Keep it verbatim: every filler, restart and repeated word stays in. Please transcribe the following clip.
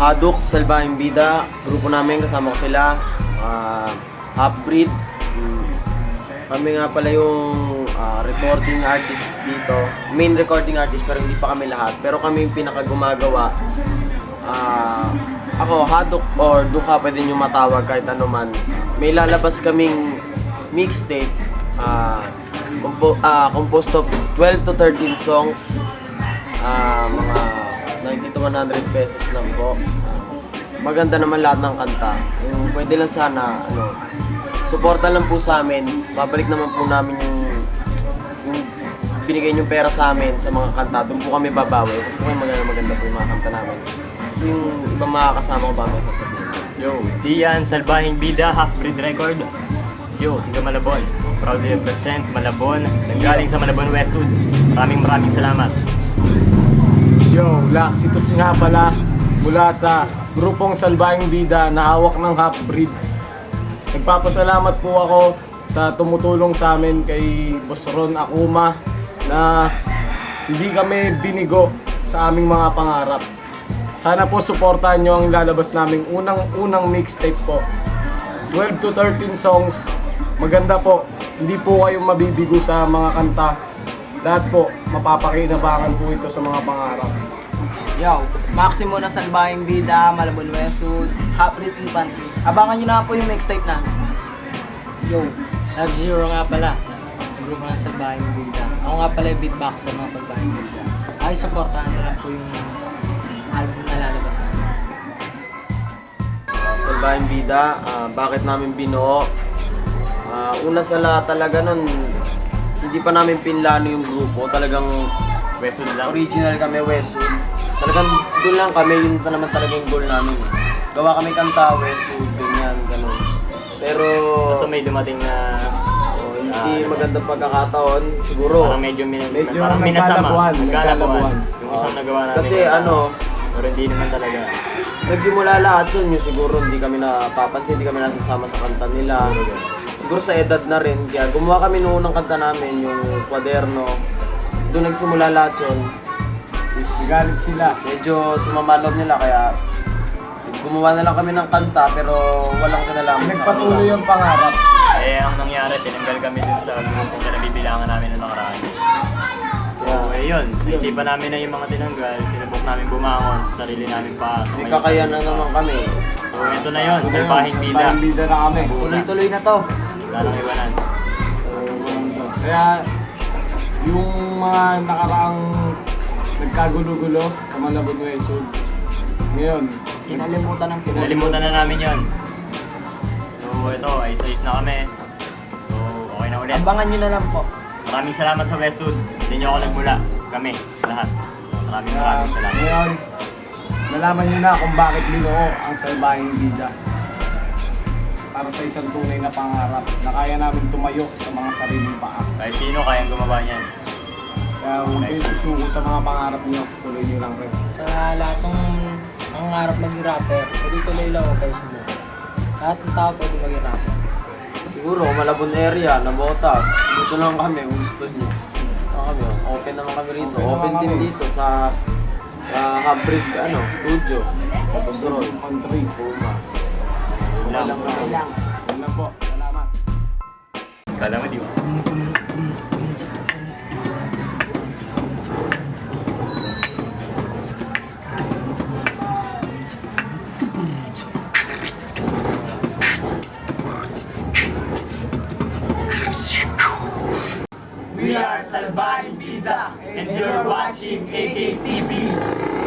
Hadok, Salbahing Bida, grupo namin, kasama ko sila, uh, Half-Breed. Mm. Kami nga pala yung uh, recording artist dito, main recording artist pero hindi pa kami lahat, pero kami yung pinakagumagawa. Uh, ako, Hadok or Duka, pwede nyo matawag kahit ano man. May lalabas kaming mixtape, uh, compo- uh, composed of twelve to thirteen songs, uh, mga ninety to one hundred pesos lang po. Maganda naman lahat ng kanta. Yung pwede lang sana, ano, suporta lang po sa amin. Babalik naman po namin yung, yung binigay yung pera sa amin sa mga kanta. Doon po kami babawi. Kung po kayo maganda, maganda po yung mga kanta namin. Yung ibang mga kasama ko ba may sasabihin? Yo, Sian, Salbahing Bida, Half-Breed Record. Yo, tiga Malabon. Proudly represent Malabon. Nanggaling sa Malabon Westwood. Maraming maraming salamat. Yo, Laxitus nga pala mula sa grupong Salbahing Bida na hawak ng Half-Breed. Nagpapasalamat po ako sa tumutulong sa amin kay Boss Ron Akuma na hindi kami binigo sa aming mga pangarap. Sana po suportahan nyo ang lalabas naming unang-unang mixtape po. twelve to thirteen songs. Maganda po. Hindi po kayo mabibigo sa mga kanta. Lahat po, mapapakinabangan po ito sa mga pangarap. Yo, Maximo na Salbahing Bida, Malabon Westwood, Half-Breed Infantry. Abangan nyo na po yung mixtape na. Yo, Love Zero nga pala. Ang grupo ng Salbahing Bida. Ako nga pala yung beatboxer ng Salbahing Bida. Ay, supportahan na lang po yung album na lalabas na. Uh, Salbahing Bida, uh, bakit namin binuo? Uh, una sa lahat talaga nun, hindi pa namin pinlano yung grupo. Talagang Westwood lang. original kami, Westwood. Talagang doon lang kami, yun na naman talaga yung goal namin. Gawa kami kanta, Westwood, ganyan, ganun. Pero Kaso may dumating na oh, hindi Ah, magandang pagkakataon, siguro. parang medyo, min- Medyo parang minasama. nagkalabuan, Nagkalabuan. nagkalabuan. Yung isang nagawa namin. Kasi na- ano, Pero hindi naman talaga. nagsimula lahat yun, yung siguro hindi kami napapansin, hindi kami nasasama sa kanta nila. Siguro sa edad na rin, kaya gumawa kami noong unang kanta namin, yung Kwaderno. Doon nagsimula lahat yun. Is, Galit sila. medyo sumamalob nila, kaya gumawa na lang kami ng kanta, pero walang kinalaman sa Nagpatuloy kanta. yung pangarap. Eh, ang nangyari, tinanggal kami dun sa grupong na nabibilangan namin noong nakaraan. Kaya, So, eh yun, naisipan namin na yung mga tinanggal, sinubok namin bumangon sa sarili namin pa. may kakayanan naman kami. So, ito na yun, Salbahing Bida. Salbahing Bida na kami. Tuloy-tuloy na to. Wala nang iwanan. Kaya yung mga nakaraang nagkagulo-gulo sa Malabon Westwood, ngayon, Kinalimutan ng Pinoy. Nalimutan na namin yun. So, ito, ayos-ayos na kami. So, okay na ulit. Abangan nyo na lang po. Maraming salamat sa Westwood. Hindi nyo ako nagmula. Kami, lahat. Maraming kaya maraming salamat. ngayon, nalaman nyo na kung bakit binuo ang Salbahing Bida. Para sa isang tunay na pangarap na kaya namin tumayo sa mga sariling paa. Kahit sino kayang gumawa niyan. Kaya huwag kayong susuko sa mga pangarap nyo, tuloy nyo lang rin. Sa lahat ng nangangarap maging rapper, tuloy-tuloy lang huwag kayo sumuko. Lahat ng tao pwede maging rapper. Siguro, Malabon area, Nabotas. Dito lang kami, kung gusto nyo. Ano kami, oh, open naman kami rito. Open Open, naman din kami. dito sa sa Half-Breed, ano, studio. Tapos Ron, Country. Puma. Okay Lang. lang Okay kami. lang. Yun lang po. Salamat. Kala mo, di ba? We are Salbahing Bida and you're watching A K T V.